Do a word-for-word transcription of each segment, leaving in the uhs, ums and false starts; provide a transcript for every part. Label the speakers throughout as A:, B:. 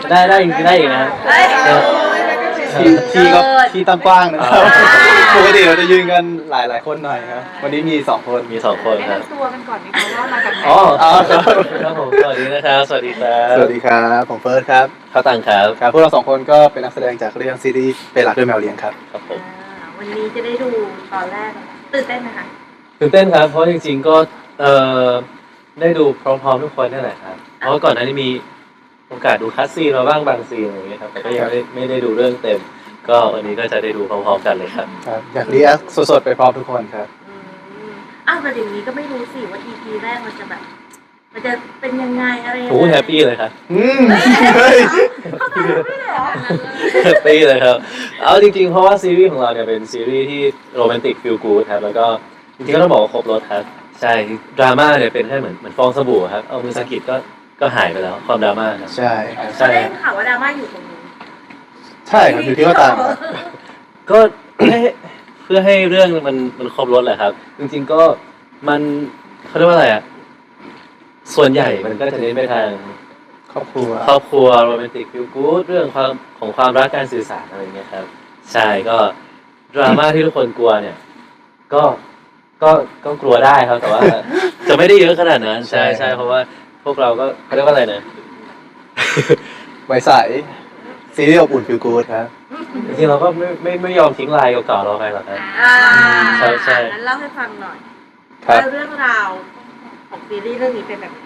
A: ได้ได้ได้อีกนะ
B: ที่ที่ก็ที่ตั้งกว้างนะครับปกติเราจะยืนกันหลายหลายคนหน่อยครับวันนี้มีสองคน
A: มีสองคนครับ
C: แนะนำตัวกันก่อนไหมคะว่ามาจากไหน
A: อ๋อครับผมสวัสดีนะครับสวัสดีครับ
B: สวัสดีครับผมเฟิร์สครับ
A: ข้าวตังครับ
B: ครับพวกเราสองคนก็เป็นนักแสดงจากเรื่องซีรีส์เป็นหลักด้วยแมวเลี้ยงครับ
A: ครับผม
C: วันนี้จะได้ดูตอนแรกตื่นเต้นไหมคะ
A: ตื่นเต้นครับเพราะจริงๆก็เอ่อได้ดูพร้อมๆทุกคนนั่นแหละครับเพราะก่อนหน้านี้มีโอกาสดูคัสซีนมาบ้างบางซีนอะไรอย่างเงี้ยครับแต่ก็ยังไม่ไม่ได้ดูเรื่องเต็มก็วันนี้ก็จะได้ดูพร้อมๆกันเลยครับ
B: ครับอยากรีแอคสดๆไปพร้อมทุกคนครับ
C: อ้าวแต่อย่างนี้ก็ไม่รู้สิว่า อี พี แรกมันจะแบบมันจะเป็นยังไงอะไร
A: โอ้แฮปปี้เลยครับ
B: อืมเฮ้ย
A: แฮปปี้เลยครับเอาจริงๆเพราะว่าซีรีส์ของเราเนี่ยเป็นซีรีส์ที่โรแมนติกฟีลกู๊ดครับแล้วก็จริงๆก็ต้องบอกว่าครบรสครับใช่ดราม่าเนี่ยเป็นแค่เหมือนเหมือนฟองสบู่ครับเอามือสะกิดก็ก็หายไปแล้วความดราม่าครับ
B: ใช่
C: ใช่ได้ข่าวว่าดราม่าอยู่ตรงนี้
B: ใช่ครับอยู่ที่ว่าตาม
A: ก็ให้เพื่อให้เรื่องมันมันครบรสแหละครับจริงๆก็มันเขาเรียกว่าอะไรอ่ะส่วนใหญ่มันก็จะเน้นไปทาง
B: ครอบครัว
A: ครอบครัวโรแมนติกฟีลกู๊ดเรื่องความของความรักการสื่อสารอะไรเงี้ยครับใช่ก็ดราม่าที่ทุกคนกลัวเนี่ยก็ก็ก็กลัวได้ครับแต่ว่าจะไม่ได้เยอะขนาดนั้นใช่ใช่เพราะว่าพวกเราก็เขาเรียกว่าอะไรนะ
B: ไว้ใสซีรีส์อบอุ่นฟิลกู๊ดครับ
A: จริงๆเราก็ไม่ไม่ไม่ยอมทิ้งลายเก่าๆเราไปหรอกครับใช่ใช่
C: งั้นเล่าให้ฟังหน่อยเรื่องราวของซีรีส์เรื่องนี้เป็นแบบ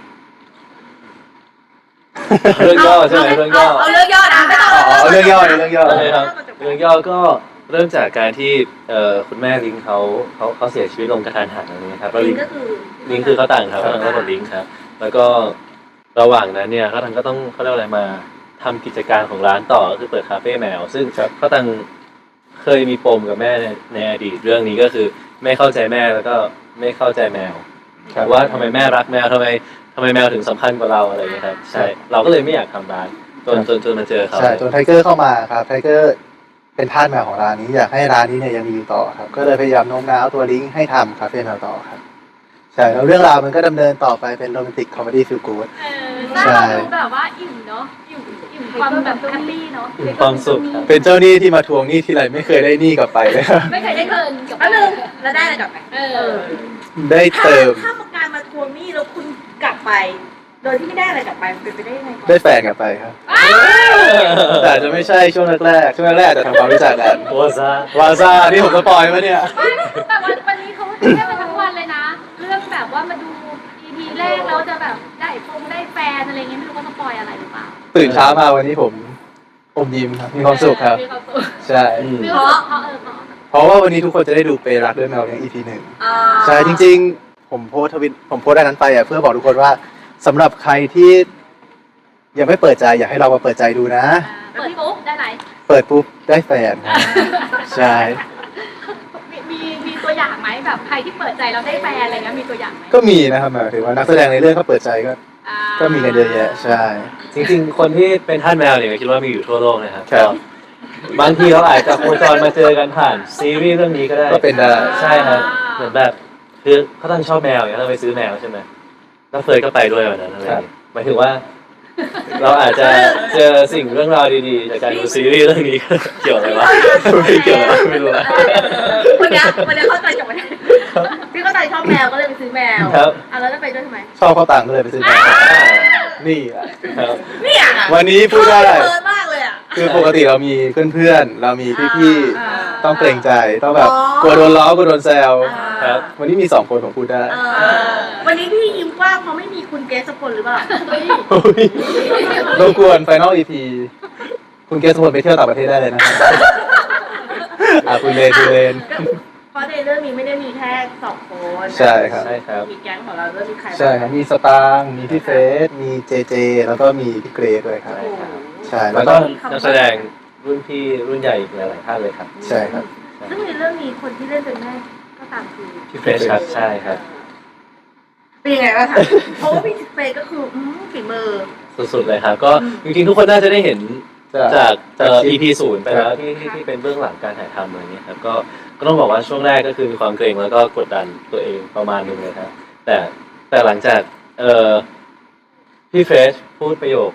A: เรื่องย่อใช่ไหมเรื่องย่อ
C: เอาเรื่องย่อนะไม่ต้อง
B: เอาเรื่องย่อเรื่องย่อ
A: เลยครับเรื่องย่อก็เริ่มจากการที่เอ่อคุณแม่ลิงเขาเขาเขาเสียชีวิตลงกระทันหันอะไรนี้ครับ
C: ลิงก็คือ
A: ลิงคือเขาต่างครับเขาต่างก็ลิงครับแล้วก็ระหว่างนั้นเนี่ยเขาต่างก็ต้องเขาเรียกอะไรมาทำกิจการของร้านต่อก็คือเปิดคาเฟ่แมวซึ่งเขาต่างเคยมีปมกับแม่ในในอดีตเรื่องนี้ก็คือไม่เข้าใจแม่แล้วก็ไม่เข้าใจแมวว่าทำไมแม่รักแมวทำไมทำไมแมวถึงสำคัญกว่าเราอะไรอย่างเงี้ยครับใช่เราก็เลยไม่อยากทำร้านจนจนจนมาเจอเขา
B: ใช่จนไทเกอร์เข้ามาครับไทเกอร์เป็นทาสแมวของร้านนี้อยากให้ร้านนี้เนี่ยยังมีอยู่ต่อครับก็เลยพยายามโน้มน้าวตัวลิงก์ให้ทำคาเฟ่แมวต่อครับใช่แล้วเรื่องราวมันก็ดำเนินต่อไปเป็นโรแมนติกคอมเมดี้ฟีลกู๊ด
D: ใช่แบบว่าอิ่มเนาะอิ่มอิ่มความแบบแฮปปี้เนาะ
A: อิ่มความสุข
B: เป็นเจ้าหนี้ที่มาทวงหนี้ทีไรไม่เคยได้หนี้กลับไปเลย
D: ไม่เคยได้เงินกับ
C: อันนึงแล้วได้อะไรกลับไปเออ
B: ได้เติม
C: ถ้าการมาทวงหนี้แล้วคุณกลับไปโดยที่ไม่ได้อะไรกลับไปเป็นไปได้ยังไง
B: ได้แฟนกลับไปครับแต่จะไม่ใช่ช่วงแรกๆช่วงแรกๆจะทำความรู้จักกัน
A: วาซาว
B: าซาที่ผมสปอยล์มาเนี่ย
D: แต่วันวันนี้เขาเล่นมาทั้งวันเลยนะเรื่องแบบว่ามาดู อี พี แรกแล้วจะแบบได้ฟงได้แฟนอะไรเงี้ยไม่รู้ว่าสปอยอะไรหรือเปล่า
B: ตื่นเช้ามาวันนี้ผมอมยิ้มครับมีความสุขครับใช่
D: เพราะเพราะเออ
B: เพราะว่าวันนี้ทุกคนจะได้ดูเปรักด้วยแมวเลี้ยง อี พี หนึ่งใช่จริงๆผมโพสทวิตผมโพสอันนั้นไปอ่ะเพื่อบอกทุกคนว่าสำหรับใครที่ยังไม่เปิดใจอยากให้เรามาเปิดใจดูนะ
D: เปิดปุ๊บได้ไหน
B: เปิดปุ๊บได้แฟนใช่
D: มีมีมีตัวอย่างไหมแบบใครที่เปิดใจเราได้แฟนอะไรเงี้ยมีตัวอย่างไหม
B: ก็มีนะครับหมายถึงว่านักแสดงในเรื่องเขาเปิดใจก็ก็มีกันเยอะแยะใช่
A: จริงๆคนที่เป็นทาสแมวเนี่ยคิดว่ามีอยู่ทั่วโลกนะครับก็บางทีเราอาจจะโคจรมาเจอกันผ่านซีรีส์เรื่องนี้ก็ได้
B: ก็เป็นได้
A: ใช่ครับเหมือนแบบคือเขาตั้งชอบแมวอย่างนี้เราไปซื้อแมวใช่ไหมแล้วเฟยก็ไปด้วยวันนั้นอะไรหมายถึงว่าเราอาจจะเจอสิ่งเรื่องราวดีๆจากการดูซีรีส์เรื่องนี้เกี่ยวอะไรวะไม่เกี่ยวไม่รู้ละ
C: วันนี้วันนี้เข้าใจกับวันนี้พี่เข้าใจชอบแมวก็เลยไปซื้อแมว
A: ครับ
C: อ่ะแล้วจะไปด้วยทำไม
B: ชอบเขาต่างก็เลยไปซื้อแมวนี่อ่ะ
C: นี่อ่ะ
B: วันนี้พูดได้
C: มากเลยอ่ะ
B: คือปกติเรามีเพื่อนๆเรามีพี่ๆต้องเกรงใจต้องแบบกลัวโดนล้อกลัวโดนแซวครับวันนี้มีสองคนผมพูดได้
C: วันนี้พี่ยิ้มกว้างเพราะไม่มีคุณเกสพลหรือเปล่า
B: รบกวนไฟนอล อี พี คุณเกสพลไปเที่ยวต่างประเทศได้เลยนะอ่ะคุณเลนคุณเลน
C: เพราะในเรื่องนี้ไม่ได้มีแค่สองคน
B: ใช่ครับ
A: ใช่ครับ
C: มีแก๊งของเราด้วยมีใคร
B: ใช่ครับมีสตางค์มีพี่เฟสมีเจเจแล้วก็มีพี่เกรดด้วยครับใช่
A: แล้วก็นักแสดงรุ่นพี่รุ่นใหญ่อีกหลายๆท่านเลยครับ
B: ใช่ครับ
C: ซึ่งในเรื่องนี้คนที่เล่นเป็นแม่ก็ตามคือ
A: พี่เฟสครับใช่ครับ
C: เป็นยังไงบ้างคะเพราะว่าพี่เฟสก็คือฝีมือ
A: สุดๆเลยครับก็จริงๆทุกคนน่าจะได้เห็นจากเอ่อ อี พี ศูนย์ไปแล้วที่ที่เป็นเบื้องหลังการถ่ายทำอะไรเงี้ยครับก็ก็ต้องบอกว่าช่วงแรกก็คือมีความเกรงแล้วก็กดดันตัวเองประมาณนึงเลยครับแต่แต่หลังจากเอ่อพี่เฟสพูดประโยค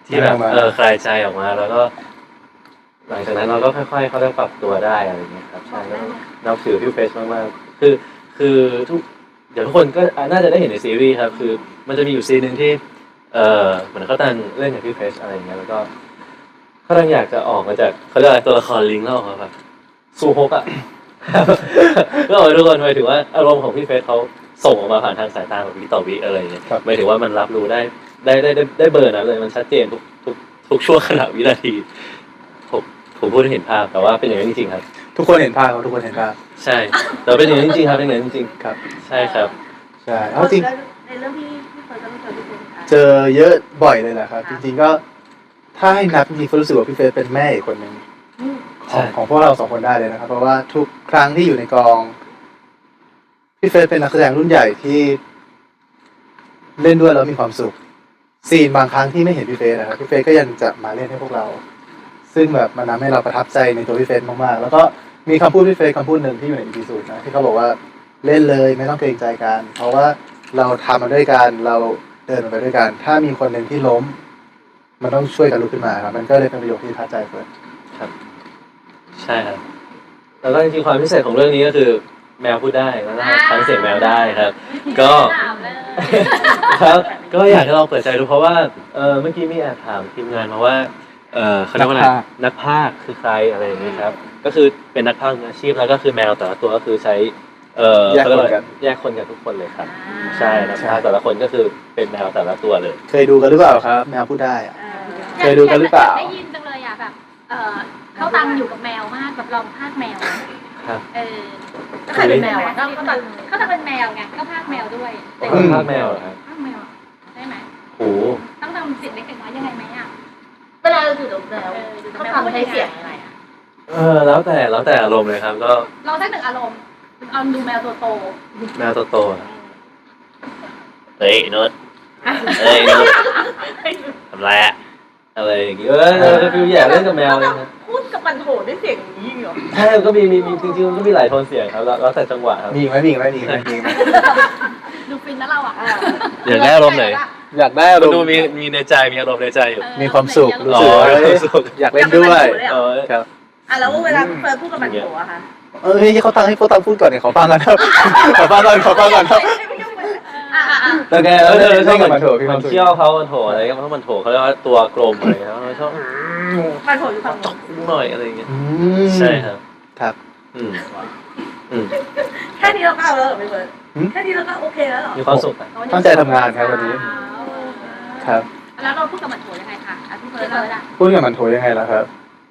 A: ที่แบบเออคลายใจออกมาแล้วก็ หลังจากนั้นเราก็ค่อยๆเขาเริ่มปรับตัวได้อะไรอย่างเงี้ยครับใช่แล้วนับถือพี่เฟสมากๆคือคือทุกเดี๋ยวทุกคนก็น่าจะได้เห็นในซีรีส์ครับคือมันจะมีอยู่ซีนหนึ่งที่เออเหมือนเขาตั้งเล่นกับพี่เฟสอะไรอย่างเงี้ยแล้วก็เขาตั้งอยากจะออกมาจากเขาเรียกอะไรตัวละครลิงก์แล้วออกมาแบบสู้ฮกอ่ะ ก็เอาทุกคนหมายถึงว่าอารมณ์ของพี่เฟสเขาส่งออกมาผ่านทางสายตาแบบวิต่อวิอะไรอย่างเงี้ยหมายถึงว่ามันรับรู้ได้ได้ได้ได้ได้เบอร์นั้นเลยมันชัดเจนทุกทุกทุกช่วงขณะวินาทีผมผมพูดให้เห็นภาพแต่ว่าเป็นอย่างนั้นจริงๆครับ
B: ทุกคนเห็นภาพครับทุกคนเห็นภาพ
A: ใช่แต่เป็นอย่างนั้นจริงๆครับเป็นอย่างนั้นจริง
B: ครับ
A: ๆใช่ครับ
B: ใช่เอาจริง
C: ในเรื่องพี่พี่เฟิร์สก็ต้องเจอพี่เฟิร์สค่ะ
B: เจอเยอะบ่อยเลยแหละครับ จริงๆก็ถ้าให้นับจริงๆก็รู้สึกว่าพี่เฟสเป็นแม่อีกคนหนึ่ง
C: อืม
B: ของของพวกเราสองคนได้เลยนะครับ เพราะว่าทุกครั้งที่อยู่ในกองพี่เฟสเป็นนักแสดงรุ่นใหญ่ที่เล่นด้วยแล้วมีความสุขซีนบางครั้งที่ไม่เห็นพี่เฟสนะครับพี่เฟสก็ยังจะมาเล่นให้พวกเรา ซึ่งแบบมันทำให้เราประทับใจในตัวพี่เฟสมากๆแล้วก็มีคำพูดพี่เฟสคำพูดหนึ่งที่อยู่ในอีพีสูตรนะที่เขาบอกว่าเล่นเลยไม่ต้องเกรงใจกัน เพราะว่าเราทำมาด้วยกันเราเดินมาไปด้วยกัน ถ้ามีคนหนึ่งที่ล้ม มันต้องช่วยกันลุกขึ้นมาครับมันก็เลยเป็นประโยคที่ท้าใจเฟิร์ส
A: ใช่ครับแล้วก็จริงๆความพิเศษของเรื่องนี้ก็คือแมวพูดได้แล้วก็ฟังเสียงแมวได้ครับ ก็
D: ถามเลย
A: ครับก็อยากให้ลองเปิดใจดูเพราะว่าเออเมื่อกี้มีแอบถามทีมงานมาว่าเออเขาเรียกว่าอะไรนักพากย์คือใครอะไรอย่างนี้ครับก็คือเป็นนักพากย์มืออาชีพแล้วก็คือแมวแต่ละตัวก็คือใช้เออ
B: แยกคนกัน
A: แยกคนกันทุกคนเลยครับใช่นักพากย์แต่ละคนก็คือเป็นแมวแต่ละตัวเลย
B: เคยดูกันหรือเปล่าครับ แมวพูดได้อะ
C: เออ
B: เคยดูกันหรือเปล่า
D: ได้ยินจังเลยอ่ะแบบเออเขาตังอยู่กับแมวมากแบบลองพากแมว
A: ครับ
D: เออ
C: ใครเป็นแมวอะ
D: เขาเขาเขาจะเป็นแมวไงก็พากแมวด้วย
A: เขาเป็นพากย์แมวเหรอครับ
D: พากแมวได้ไหม
A: โอ้โห
D: ต้องทำเสียงเล็กๆน้อยยังไงไหมอ่ะ
C: เวลาเราอยู่กับแมว
D: เอออยู่กับ
C: เขา
D: แมว
C: ทำใช้เสียงยังไงอะ
A: เออแล้วแต่แล้วแต่อารมณ์เลยครับ ก็
D: ลองสักหนึ่งอารมณ์เอาดูแมวตัวโต
A: แมวโตๆอะเฮ้ยนุชเฮ้ยนุชทำไรอะอะไรอย่างงี้เออเออฟิวอยากเล่นกับแมวเลยนะ
C: พูดกับมันโถด้วยเสียงอย่างนี้เหรอ
A: ใช่มันก็มีมีมีจริงๆมันก็มีหลายโทนเสียงครับแล้วแล้วแต่จังหวะครับ
B: มีอีกไหมมีอีกไหมมีอีกไหมมีอีกไหม
D: ดูฟินนะเราอ่ะ
A: อยากได้อารมณ์ไหน
B: อยากได้อาร
A: มัน
B: ม
A: ดู
B: ณ์
A: มีมีในใจมีอารมณ์ในใจอยู่
B: มีความสุขรู้
A: อ๋
B: สึ
A: อก
B: ว่าอยากเล่นด้วย
A: เออ
B: ครับ
C: อ่ะแล้วเวลาพี่เฟิร์สพูดกับมันโถอะคะ
B: เอ้ยเขาตั้งให้เขาตั้งพูดก่อนเนี่ยขอฟังกันครับ ขอฟังก่อนขอฟังก่อนครับ
C: อ่ะอ่ะอ่ะ
A: แล้วแกเออเออชอบ
B: เล่นกับ
A: มั
B: มัน นโถมีความสุข
A: เที่ยวเขามันโถอะไรก็เพราะมันโถเขาเรียกว่าตัวกลมอะไรครับชอบ
C: มันโถอยู่ฝั่ง
A: จ
C: โน้
A: ก
C: น
A: หน่อยอะไรอย่างเงี้ย
B: อืม
A: ใช่ครับ
B: ครับ
A: อืมอืม
C: แค่นี้เราก็เอาแล้วเหรอพี่เฟิร์ส
B: หืม
C: แค่นี้เราก็โอเคแล้วเหรอ
A: มีความสุขอะ
B: ตั้งใจทำงานครับวันนี้ ครับ
D: แล้วเราพูดกับมันโถยังไงคะอ่ะพี่เฟิร์สเลยอ่ะ
B: พูดกับมันโถยังไงล่ะครับ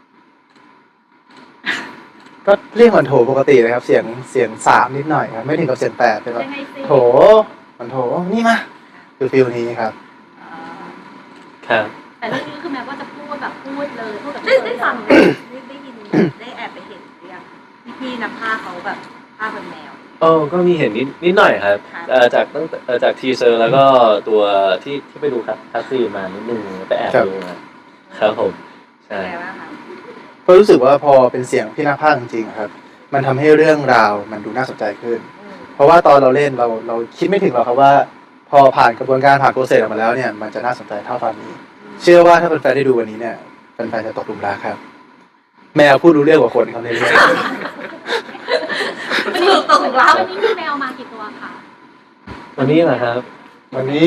B: ก็เรียกมันโถปกติเลยครับ เสียงเสียงสามนิดหน่อยครับ ไม่ถึงกับเสียงแปดเป็นแบบ
D: ยังไงสิ
B: โถมันโถนี่มาคือฟิลนี้ครับ
A: ครับ
D: แต่เรื่องนี้คือแม้ว่าจะพูดแบบพูดเลยพูดกับ
C: ได้ได้ฟังไหมได้ได้ยินได้แอบไปเห็นหรือยังพี่พี่ๆนักพากย์เขาแบบพากย์เป็นแมว
A: เออก็มีเห็นนิดนิดหน่อยครับ
C: ครับ
A: เอ่อจากตั้งแต่เอ่อจากทีเซอร์แล้วก็ตัวที่ที่ไปดูครับทัสซี่มานิดนึงไปแอบ
B: ครับ
A: ดูมาครับผมใช่
C: เป็นไงบ้างคะ
B: ก็รู้สึกว่าพอเป็นเสียงพี่นักพากย์จริงๆครับ มันทำให้เรื่องราวมันดูน่าสนใจขึ้น
C: อืม
B: เพราะว่าตอนเราเล่นเราเราคิดไม่ถึงหรอกครับว่า พอผ่านกระบวนการผ่านโปรเซสออกมาแล้วเนี่ยมันจะน่าสนใจเท่าตอนนี้ เชื่อว่าถ้าแฟนๆได้ดูวันนี้เนี่ยแฟนๆจะตกหลุมรักครับ แมวพูดรู้เรื่องกว่าคนเขาในเรื่อง
C: มันถูกตกหลุมรัก
D: วันนี้มีแมวมากี่ตัวคะ
A: วันนี้เหรอครับ
B: วันนี้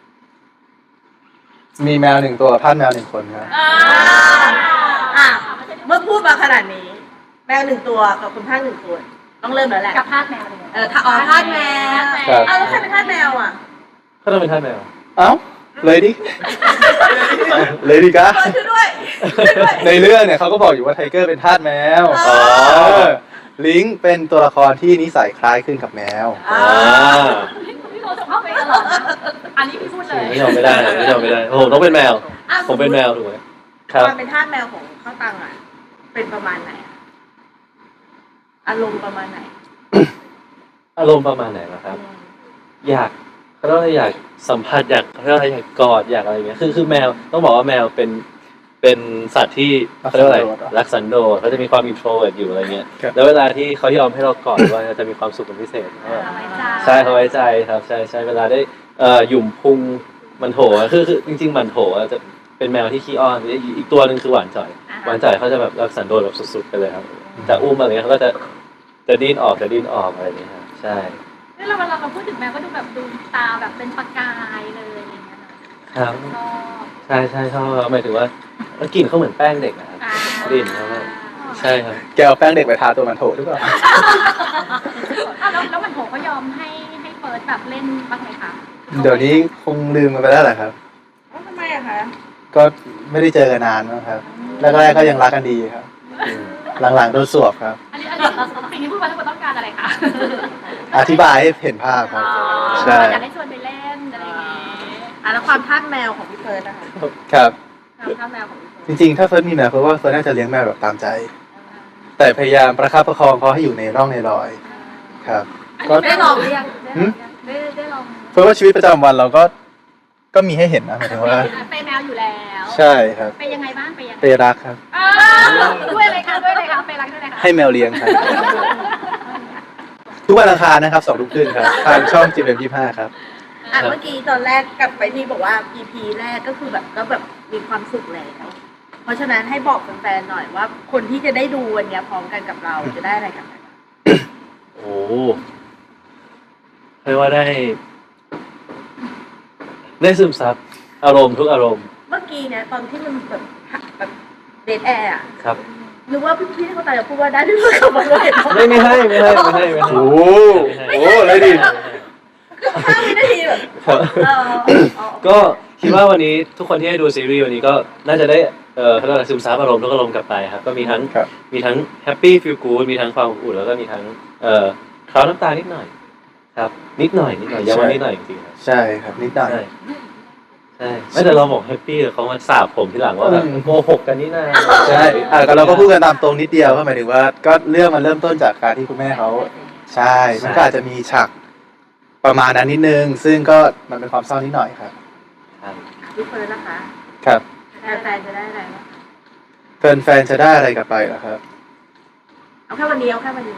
B: มีแมวหนึ่งตัวกับพาดแมวหนึ่งคนครับ
C: อ่าอ่ะเมื่อพูดมาขนาดนี้ แมวหนึ่งตัวกับคุณพากย์หนึ่งตัวต้องเริ่มแล้วแหละ
D: กับพาดแมวเลย
C: เออถ้าอ๋อพาดแมว
B: ครับ
C: อ้าวแล้วใครเป็นทาสแมวอ่ะ
A: ก็ต้องเป็นท่านแมว
B: เอ้าเลยดิ เลยดิกะ
C: เฟิร์สช่วยด้วยช่วยด้วย
B: ในเรื่องเนี่ยเขาก็บอกอยู่ว่าไทเกอร์เป็นทาสแมว
C: อ๋อ
B: เออลิงก์เป็นตัวละครที่นิสัยคล้ายขึ้นกับแมว
C: อ่า
A: อ่า
D: พี่โทรจะเข้าไปตลอดนะอันนี้พี่พูดเลย
A: ไม่ยอมไม่ได้ไม่ยอมไม่ได้โอ้โหต้องเป็นแมว
C: อ่ะ
A: ผมเป็นแมวถูกไหมครับ
C: ความเป็นทาสแมวของข้าวตังอ่ะ เป็นประมาณไหนอะอารมณ์ประมาณไหน
A: อารมณ์ประมาณไหนล่ะครับ อยากเขาเรียกว่าอยากสัมผัสอยากเขาเรียกว่าอยากกอดอยากอะไรเงี้ยคือคือแมวต้องบอกว่าแมวเป็นเป็นสัตว์ที่เขาเรียกว่าอะไรรักสันโดษเขาจะมีความอินโทรเวิร์ตอยู่อะไรเงี้ย
B: ครับ
A: แล้วเวลาที่เขายอมให้เรากอดว่าจะมีความสุขเป็นพิเศษเพราะว่า
D: เอาไว้ใจ
A: ใช่เขาไว้ใจครับใช่ใช่เวลาได้เอ่อหยุ่มพุงมันโถอะคือคือจริง ๆ มันโถอะจะเป็นแมวที่ขี้อ้อนอีกอีกตัวหนึ่งคือหวานจ่อยหวานจ่อยเขาจะแบบรักสันโดษแบบสุดๆไปเลยครับจะอุ้มอะไรเงี้ยเขาก็จะจะดิ้นออกจะดิ้นออกอะไรอย่างเงี้ยครับใช่
D: นี่เราเวลาเราพูดถึงแมวก็ดูแบบดูตาแบบเป็นประกายเลยอะไรอย่างเงี้ยนะครับ ชอบ
A: ใช่ใช่ชอบครับหมายถึงว่าแล้วกลิ่นเขาเหมือนแป้งเด็กนะครับ
D: อ่าก
A: ลิ่นเขาแบบใช่ครับ
B: แกเอาแป้งเด็กไปทาตัวมันโถหรือเปล่า
D: อ่ะแล้วแล้วมันโหเขายอมให้ให้เฟิร์สแบบเล่นบ้างไหมคะ
B: เดี๋ยวนี้คงลืมกันไปแล้วแหละครับ
C: เอ้าทำไมอะคะ
B: ก็ไม่ได้เจอกันนานมั้งครับแรกๆก็ยังรักกันดีครับ หลังๆโดนสวบครับ
D: อันนี้อันนี้สิ่งที่พูดมาทั้งหมดต้องการอะไรคะ
B: อธิบายให้เห็นภาพครับ ใช่
D: อยากให้ชวนไปเล่นอะไรอย่างเงี้ย
C: อ่ะแล้วความทาสแมวของพี่เฟิร์สนะคะ
B: ครับ
D: ความทาสแมวของพี่เฟิร์
B: จ
D: ส
B: ริงๆ ถ้าเฟิร์สมีแมวเฟิร์สว่าเฟิร์สน่าจะเลี้ยงแมวแบบตามใจ แต่พยายามประคับประคองเขาให้อยู่ในร่องในรอยครับ
D: อันนี้ได้ลองหรือยัง
B: หืม
D: ได้ได้ลอง
B: เฟิร์สว่าชีวิตประจำวันเราก็ก็มีให้เห็นนะหมายถึงว่า
D: ไปแมวอยู่แล้ว
B: ใช่ครับ
D: ไปยังไงบ้างไปยังไง
B: เปรักครับ
D: อ่าด้วยเลยค่ะด้วยเลยค่ะไปรักด้วยเลยค่ะ
B: ให้แมวเลี้ยงครับ ทุกวันอังคารนะครับสองทุ่มครึ่งครับทางช่องจีเอ็มยี่ห้าครับ
C: อ่ะเมื่อกี้ตอนแรกกลับไปที่บอกว่า อี พี แรกก็คือแบบก็แบบมีความสุขแล้วเพราะฉะนั้นให้บอกแฟนๆหน่อยว่า คนที่จะได้ดูวันเนี้ยพร้อมกันกับเราจะได้อะไรกันบ้าง
A: โอ้เรียกว่าได้ ได้ซึมซับอารมณ์ทุกอารมณ์
C: เมื่อกี้เนี่ยตอนที่มันแบบแบบเดทแอร์อะ
A: ครับ
C: นึกว่าพี่พี่เขาตายจะพูดว่าได้ที่เพื่อนขับมาเลย
A: ไม่ไม่ให้ไม่ให้ไม่ให้ไม่ให้
B: โอ้โหโอ้โหเลยดิ
C: คือห้าวินาทีแบบ
A: ครับ
C: เอออ๋อ
A: ก็คิดว่าวันนี้ทุกคนที่ได้ดูซีรีส์วันนี้ก็น่าจะได้เอ่อเขาเรียกว่าซึมซับอารมณ์ทุกอารมณ์กลับไปครับก็มีทั้ง
B: ครับ
A: มีทั้งแฮปปี้ฟีลกู๊ดมีทั้งความอบอุ่นแล้วก็มีทั้งเอ่อคราวน้ำตานิดหน่อย ครับ นิดหน่อยนิดหน่อยย้ำว่านิดหน่อยจริงๆครับ
B: ใช่ครับนิดหน่อย
A: ใช่ใช่ไม่แต่เราบอกแฮปปี้แต่เขามาสาบผมทีหลังว่าแบบ
B: อืม
A: โกหกกันนี่นา
B: ใช่อ่ะก็เราก็พูดกันตามตรงนิดเดียวก็หมายถึงว่าก็เรื่องมันเริ่มต้นจากการที่คุณแม่เขาใช่ มันก็อาจจะมีฉากประมาณนั้นนิดนึง ซึ่งก็มันเป็นความเศร้านิดหน่อยครับ
A: ครับ
C: พี่เฟิร์นนะคะ
B: ครับ
C: แฟนๆจะได้อะไรบ้าง
B: แฟนๆจะได้อะไรกลับไปเหรอครับ
C: เอาแค่วันนี้เอาแค่วันนี้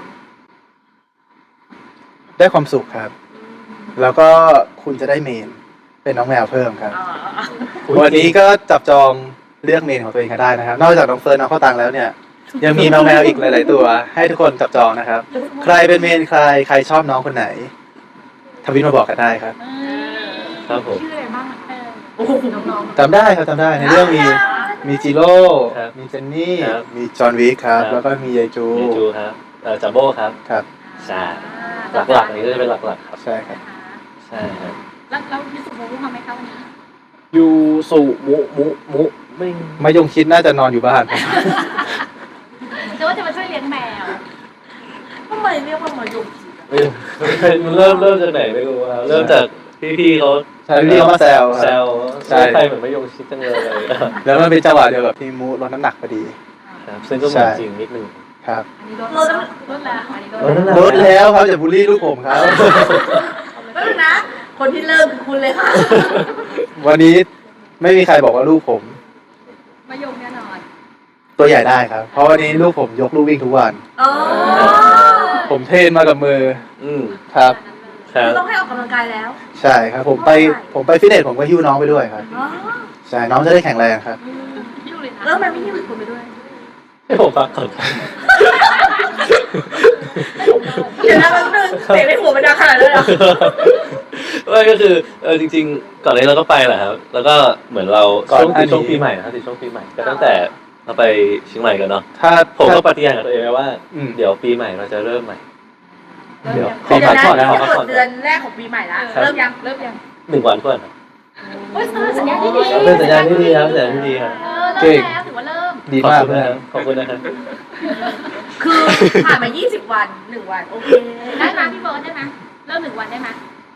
B: ได้ความสุขครับ แล้วก็คุณจะได้เมน เป็นน้องแมวเพิ่มครับ
C: อ๋อ
B: วันนี้ก็จับจองเลือกเมนของตัวเองกันได้นะครับ นอกจากน้องเฟิร์นน้องข้าวตังแล้วเนี่ย ยังมีแมวแมวอีกหลาย ๆ ตัว ให้ทุกคนจับจองนะครับ ใครเป็นเมนใครใครชอบน้องคนไหนทวิตมาบอกกันได้ครับ
A: ครับผม
D: ชื่ออะไรบ้างเออ
C: โอ้โห
D: น้อง
B: จำได้ครับจำได้ในเรื่องมีมีจิโร่
A: ครับ
B: มีเจนนี่
A: ครับ
B: มีจอห์นวิกครับ
A: ครับ
B: แล้วก็มียายจู
A: เมจูครับเอ่อจัมโบ้ครับ
B: ครับ
A: ใช่หลักๆอันนี้ก็จะเป็นหลักๆครับ
B: ใช่ครับ
A: ใช่ครับ
D: แล้วแล้วยูสุโมรุมาไหมคะวันนี้
A: ยูสุมุมุมุไม่
B: มายงคิดน่าจะนอนอยู่บ้าน
D: หรือว่าจะมาช่วยเลี้ยงแมว
C: ทำไมเรียกว่ามายุงจีบอะ
A: ไม่มันเริ่มเริ่มจากไหนไม่รู้ว่าเริ่มจากพี่ๆเขา
B: ใช่พี่เขามาแซว
A: แซ
B: ครับ
A: ว
B: ใช่
A: ใช่ใครเหมือนไม่ยงชิดจังเลย
B: แล้วมันเป็นจังหวะเดียวกับที่มูลดน้ำหนักพอดี
A: ครับซึ่งก็เหมือนจริงนิดนึง
B: ครับ
D: อันนี้ลดแล้วลดแล้วอันนี้ลด
A: ลดแล้
B: ลดแล้วครับอย่าบูลลี่ลูกผมครับ
C: ก็นะ คนที่เริ่มคือคุณเลยค่ะ
B: วันนี้ไม่มีใครบอกว่าลูกผม
D: มายงแน่นอน
B: ตัวใหญ่ได้ครับ เพราะวันนี้ลูกผมยกลูกวิ่งทุกวัน
C: อ๋อ
B: ผมเทรนมากับมือ
A: อืม
B: ครับ
A: ครับ
C: คือต้องให้ออกกำลังกายแล้ว
B: ใช่ครับ ผมไปผมไปฟิตเนสผมก็หิ้วน้องไปด้วยครับ
C: อ๋อ
B: ใช่น้องจะได้แข็งแรงครับ
D: ยูเลยนะ
C: แล้วทำไมไม่หิ้วอีกคนไปด้วย
A: ให้ผมฟังก่อน
C: เดี๋ยวนะแป๊บนึงเสียงในหัวมันดังขนาดนั้นเลยเหรอ
A: ไม่ก็คือเออจริงๆ ก่อนนี้เราก็ไปแหละครับ แล้วก็เหมือนเรา
B: ก่อน
A: ช่วง
B: อันนี้
A: ช่วงปีใหม่นะครับที่ช่วงปีใหม่ก็ตั้งแต่เราไปเชียงใหม่กันเนาะ
B: ถ้า
A: ผมก็
B: ถ้า
A: ปฏิญาณกับตัวเองไว้ว่า
B: อืม
A: เดี๋ยวปีใหม่เราจะเริ่มใหม่ เดี๋ยว
C: เดี๋ยวนะ
A: ขอพักก่อนนะ
C: นี่
A: ขอพัก
C: จะ
A: ก่อน
C: เดือนแรกของปีใหม่ละ
A: ครับ
C: เริ่มยัง
D: เริ่มยัง
A: หนึ่งวันก่อนครับ
D: โอ้ยสัญญาณที่ดี
A: เป็นสัญญาณที่ดีครับสัญญาณที่ดีครับ
D: เออเริ่มแล้วถือว่าเริ่ม
B: ดี
A: ขอบ
B: มาก
A: คุณ
B: เล
A: นะ
B: ย
A: ครับขอบคุณนะครับ
C: คือผ่านมายี่สิบวันหนึ่งวันโอเค
D: ได้ไหมพี่เบิร์ดได้ไหมเริ่มหนึ่งวันได้ไหม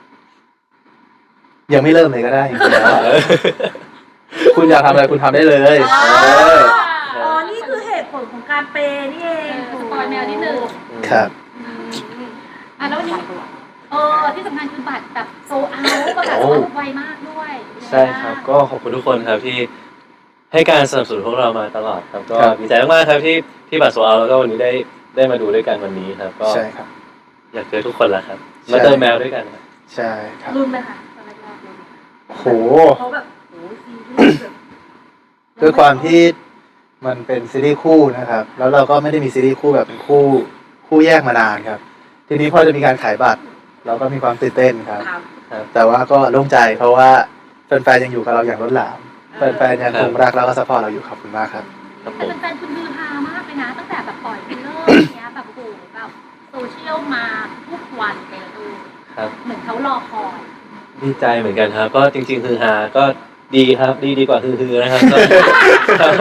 B: ยังไม่เริ่มเลยก็ได้จริงๆแล้วคุณอยากทำอะไรคุณทำได้เลย
C: อ๋อ
B: เออ
C: อ๋อ นี่คือเหตุผลของการเปย์นี่เอง
D: สปอยแมวนิดนึง
B: ครับ
D: อ่ะแล้ววันนี้เออที่สำคัญคือบัตรแบบโซเอาประกาศโซเอาไวมากด้วย
A: ใช่ครับก็ขอบคุณทุกคนครับที่ให้การสนับสนุนพวกเรามาตลอดครับก็
B: ครับ
A: ดีใจมากๆครับที่ที่บัตรโซเอาแล้วก็วันนี้ได้ได้มาดูด้วยกันวันนี้ครับ ก็
B: ใช่ครับ
A: อยากเจอทุกคนแล้วครับ
B: ใช่
A: มาเติมแมวด้วยกันครับ
B: ใช่ครับ
C: รุนไหมคะตอนแรกๆรุน
B: โห
C: เขาแบบโหซีรีส์แบบ
B: ด้วยความที่มันเป็นซีรีส์คู่นะครับ แล้วเราก็ไม่ได้มีซีรีส์คู่แบบเป็นคู่คู่แยกมานานครับ ทีนี้พอจะมีการขายบัตรเราก็มีความตื่นเต้นครับ
C: ครับ
B: ครับแต่ว่าก็โล่งใจเพราะว่าแฟนๆยังอยู่กับเราอย่างล้นหลามแฟนๆยังคงรักแล้วก็ซัพพอร์ตเราอยู่ขอบคุณมากครับ
A: ครับผ
D: แต่
A: ม
D: แฟนๆคุณฮือฮามากเลยนะ ตั้งแต่แบบปล่อยฟิลเลอร์อย่างเงี้ยแบบโอ้โหแบบโซเชียลมาทุกวันเลยดู
A: ครับ
D: เหมือนเขารอคอย
A: ดีใจเหมือนกันครับ ก็จริงๆคือฮาก็ดีครับดีดีกว่าคือฮือนะครับก็ครับ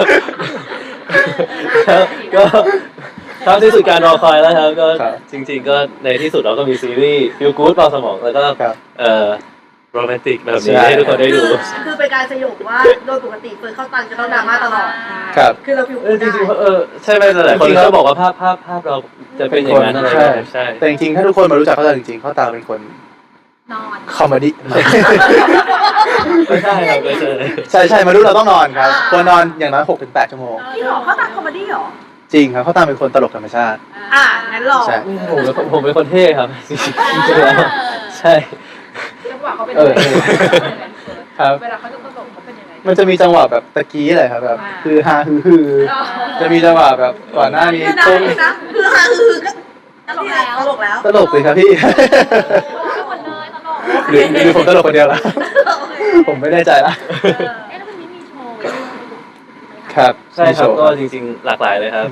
A: ครับก็ครับที่สุดการรอคอยแล้วครับก็
B: ครับ
A: จริง ๆ ก็ในที่สุดเราก็มีซีรีส์ฟิลกู๊ดเบาสมองแล้วก็
B: ครับ
A: เอ่อโรแมนติกแบบนี้
B: ใช่
A: ให้ทุกคนได้
C: คื
A: ดู
C: อคือเป็นการสยบว่าโดยปกติเฟิร์นเข้าตังจะต้องดราม่าตลอด
B: ครับ
C: คือเราฟิล
A: เออจ
C: ได้
A: ริงๆเออใช่ไหมหลายๆคน
B: จริงๆแล้ว
A: ก็บอกว่าภาพภาพภาพเราจะเป็นอย่างนั้นอะไรแบบนี้ใช่
B: แต่จริงๆถ้าทุกคนมารู้จักเขาแต่จริงๆเขาตามเป็นคน
D: นอน
B: คอมเมดี้
A: ไม่ใช่ครับไม่ใช่
B: ใช่ใช่มารู้เราต้องนอนครับควรนอนอย่างน้อยหกถึงแปดชั่วโมง
C: พี่หรอเขาตังคอมเมดี้หรอ
B: จริงครับเขาตามเป็นคนตลกธรรมชาติ
C: อ่างั้นหรอ
B: ใช่
A: ผมเป็นคนผมเป็นคนเท่ครับจริงๆแล้วใช่
E: จังหวะเขาเป็น
B: เออ
E: ยังไง
B: ครับ
E: เวลาเขาจะตลกเขาเป็นยังไง
B: มันจะมีจังหวะแบบตะกี้อะไรครับแบบ
E: อ่า
B: คือฮาฮือฮือจะมีจังหวะแบบก่อนหน้านี้
C: ก็ได้
B: ต้น
C: นะคือฮาคือก็ตลกแล้วตลกแล้ว
B: ตลกเลยครับพี่
D: ทุกคนเลยตลก
B: หรือหรือผมตลกคนเดียวละผมไม่แน่ใจละ
D: เอ๊ะแล้ววันนี้มีโชว์ด้วยไหมะ
B: ครับ
A: ใช่ครับ
B: มีโชว์
A: ก็จริงๆหลากหลายเลยครับ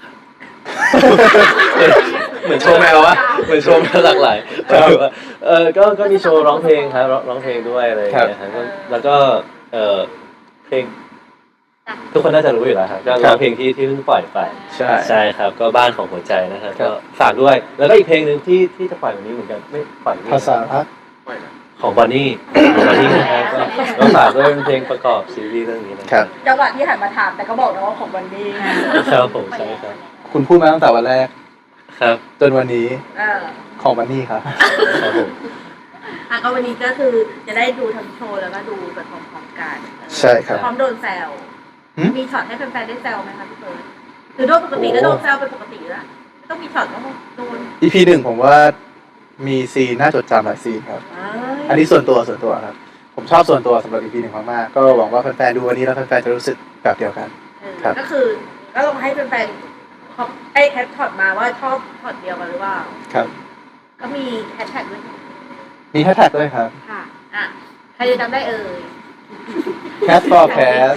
A: เหมือนโชว์แมววะเหมือนโชว์แมวหลากหลาย
B: ครับ
A: เออก็ก็มีโชว์ร้องเพลงครับร้องร้องเพลงด้วยอะไรอย่างเงี้ยครับก็แล้วก็เออเพลง ทุกคนน่าจะรู้อยู่แล้วครับก็ร้องเพลงที่ที่เพิ่งปล่อยไป
B: ใช่
A: ใช่ครับ ก็บ้านของหัวใจนะครับ
B: ครั
A: ก็
B: บ
A: ฝากด้วย แล้วก็อีกเพลงหนึ่งที่ที่จะปล่อยวันนี้เหมือนกันไม่ปล่อยวันนี้
B: ภาษาพัก
A: ของบอนนี่ของบอนนี่นะครับก็ก็ฝากด้วยเป็นเพลงประกอบซีรีส์เรื่องนี้นะครับ
C: จังหวะที่หันมาถามแต่ก็บอกนะว่าของวันนี้
A: ครับผมใช่ครับ
B: คุณพูดมาตั้งแต่วันแรก
A: ครับ
B: จนวันนี้
C: เออ
B: ของวันนี้ครับ
A: ครับผม
C: อ่ะก็วันนี้ก็คือจะได้ดูทั้งโชว์แล้วก็ดูแบบพร้อมๆกัน
B: ใช่ครับ
C: พร้อมโดนแซว
B: หืม
C: มีช็อตให้แฟนๆได้แซวไหมคะพี่เฟิร์นคือโดนปกติก็โดนแซวเป็นปกติแล้วไม่ต้องมีช็อตก็โดน
B: อี พีหนึ่งผมว่ามีซีนน่าจดจำหลายซีนครับ
C: เอ้ย
B: อันนี้ส่วนตัวส่วนตัวครับ ผมชอบส่วนตัวสำหรับ อี พีหนึ่งมากๆ ก็หวังว่าแฟนๆดูวันนี้แล้วแฟนๆจะรู้สึกแบบเดียวกัน
C: เออ
B: ครับ
C: ก็คือก็ลองให้แฟนๆเขาไอ้แคปช็อตมาว่าชอบช็อตเดียวกันหรือเปล่า
B: ครับ
C: ก็มีแฮชแท็กด้วย
B: มีแฮชแท็กด้วยครับ
C: ค่ะอ่ะใครจะจำได้เอ่ย
B: Cat for Cat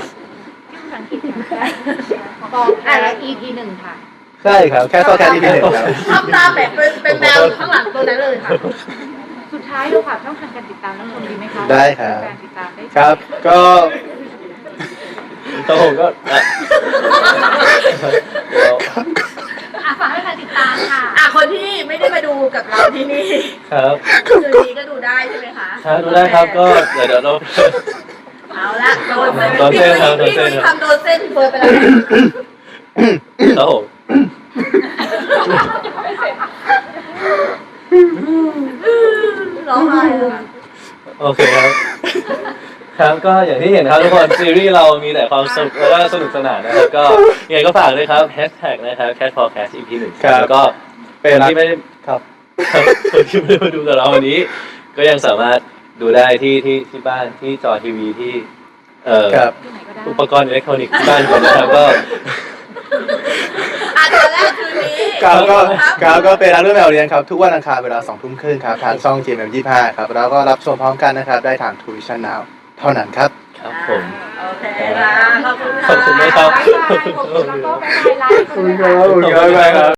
E: กองแอร์ อี พี หนึ่งค่ะ
B: ใช่ครับ Cat for Cat อี พีหนึ่งครับ
C: ทำตามแบบเป็นเป็นแมวข้างหลังตัวนั้นเลยค่ะ
E: สุดท้ายเราฝากช่องทางการติดตามน้องชมดีไหมคะ
B: ได้ครับ
E: การติดตามได้
B: ครับ ก็
A: ครับผมก็อ่ะเดี๋ยว
D: อ่ะฝากให้แฟนติดตามค่ะ
C: อ่ะคนที่ไม่ได้มาดูกับเราที่นี่
A: ครับ
C: คืนนี้ก็ดูได้ใช่ไหมคะ
A: ครับดูได้ครับก็เดี๋ยวเดี๋ยวเรา
C: เอาละโดน
A: โดนเส้นครับโดน
C: พี่
A: เส้
C: ดุ
A: น
C: ยทำโดนเส้นเฟิร์นไปแล้ว
A: ครับผม
C: ร้องไห้เลยค่ะ
A: โอเคครับ ครับก็อย่างที่เห็นครับทุกคนซีรีส์เรามีแต่ความสนุกแล้วก็สนุกสนานนะครับก็ยังไงก็ฝากด้วยครับแฮชแท็กนะครับ Cat Podcast อี พี หนึ่ง
B: ครับ
A: แล้วก็
B: เป็น
A: คน
B: รัก
A: ที่ไม่ได้
B: ครับ
A: ครับคนที่ไม่ได้มาดูกับเราวันนี้ ก็ยังสามารถดูได้ที่ที่ที่บ้านที่จอทีวีที่เอ่อ
B: ครับ
E: ที่ไหนก็ได้
A: อุปกรณ์อิเล็กทรอนิกส์ที่บ้านคนนะครับก็
C: อ่ะตอนแรกคืนนี้
B: ครับก็
C: ครับ
B: ครับก็เป็นรักเรื่องแมวเรียนครับ ทุกวันอังคารเวลาสองทุ่มครึ่งครับ ทางช่อง จี เอ็ม เอ็ม ยี่สิบห้าครับ แล้วก็รับชมพร้อมกันนะครับ ได้ทาง ทูวิชั่น นาว เท่านั้นครับ
A: ครับผม
C: โอเคค่ะขอบคุณค่ะ
A: ขอบคุณมากครับ
E: บ๊ายบายขอบคุณแล้วก็บ๊ายบายไลฟ์
B: ขอบคุณครับขอบคุณครับ